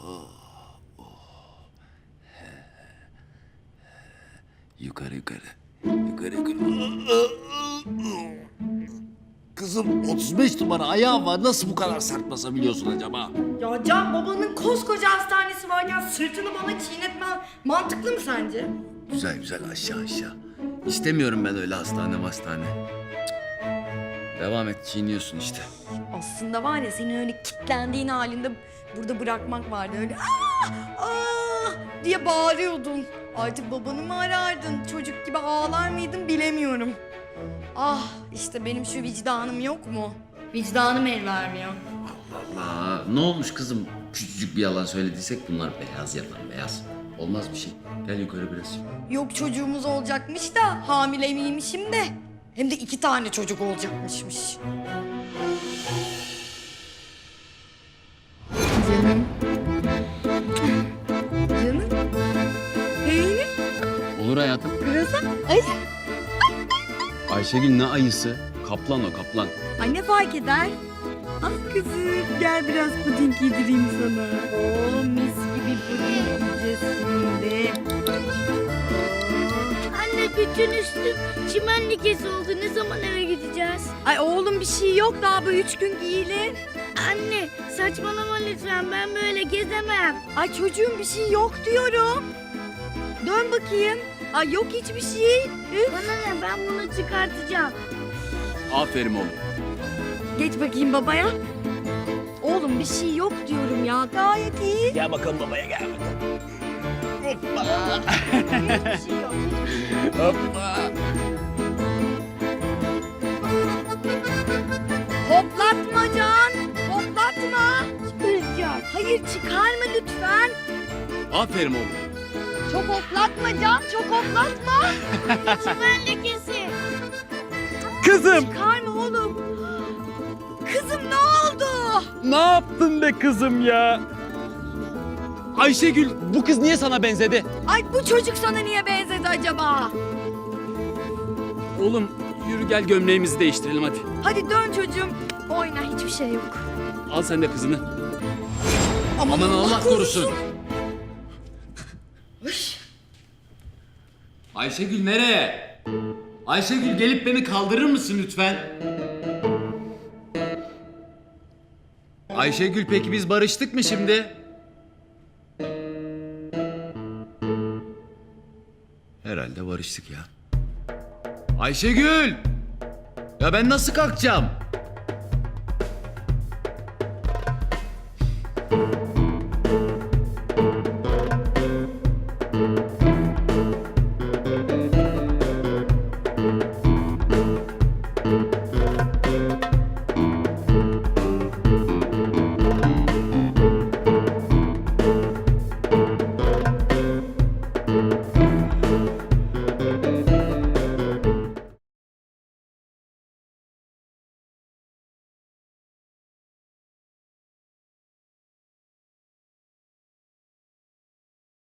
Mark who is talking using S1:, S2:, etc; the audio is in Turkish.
S1: Yukarı yukarı. Yukarı yukarı. Kızım 35 numara ayağın var. Nasıl bu kadar sert basabiliyorsun acaba?
S2: Ya Can, babanın koskoca hastanesi varken sırtını bana çiğnetmen mantıklı mı sence?
S1: Güzel güzel aşağı aşağı. İstemiyorum ben öyle hastane. Devam et, çiğniyorsun işte.
S2: Aslında var ya, senin öyle kilitlendiğin halinde burada bırakmak vardı. Öyle diye bağırıyordun. Artık babanı mı arardın? Çocuk gibi ağlar mıydın bilemiyorum. Ah, işte benim şu vicdanım yok mu? Vicdanım el vermiyor.
S1: Allah, ne olmuş kızım? Küçücük bir yalan söylediysek bunlar beyaz yalan, beyaz. Olmaz bir şey. Gel yukarı biraz.
S2: Yok, çocuğumuz olacakmış da hamile miymişim de. Hem de 2 tane çocuk olacakmışmış. Canım. Canım. Peynir.
S1: Olur hayatım.
S2: Kırasa. Ay.
S1: Ayşegül ne ayısı? Kaplan o, kaplan.
S2: Ay, ne fark eder? Ah kızım, gel biraz puding yedireyim sana. Oo, mis gibi puding yiyeceğiz şimdi.
S3: Anne, bütün üstüm çimen lekesi oldu. Ne zaman eve gideceğiz?
S2: Ay oğlum, bir şey yok, daha bu 3 gün giyilir.
S3: Anne, saçmalama lütfen. Ben böyle gezemem.
S2: Ay çocuğum, bir şey yok diyorum. Dön bakayım. Ay yok hiçbir şey. Üf.
S3: Bana ne? Ben bunu çıkartacağım.
S1: Aferin oğlum.
S2: Geç bakayım babaya. Oğlum bir şey yok diyorum ya, gayet iyi.
S1: Gel bakalım babaya, gel bakalım.
S2: Hiçbir şey yok.
S1: Hoppa.
S2: Hoplatma Can, hoplatma.
S3: Çıkaracağım.
S2: Hayır, çıkarma lütfen.
S1: Aferin oğlum.
S2: Çok hoplatma Can, çok hoplatma.
S3: Çimen lekesi.
S4: Kızım!
S2: Çıkarma oğlum. Kızım ne oldu?
S4: Ne yaptın be kızım ya? Ayşegül, bu kız niye sana benzedi?
S2: Ay bu çocuk sana niye benzedi acaba?
S4: Oğlum yürü gel gömleğimizi değiştirelim hadi.
S2: Hadi dön çocuğum. Oyna, hiçbir şey yok.
S4: Al sen de kızını.
S1: Aman Allah korusun. Ayşegül nereye? Ayşegül, gelip beni kaldırır mısın lütfen? Ayşegül, peki biz barıştık mı şimdi? Herhalde barıştık ya. Ayşegül! Ya ben nasıl kalkacağım?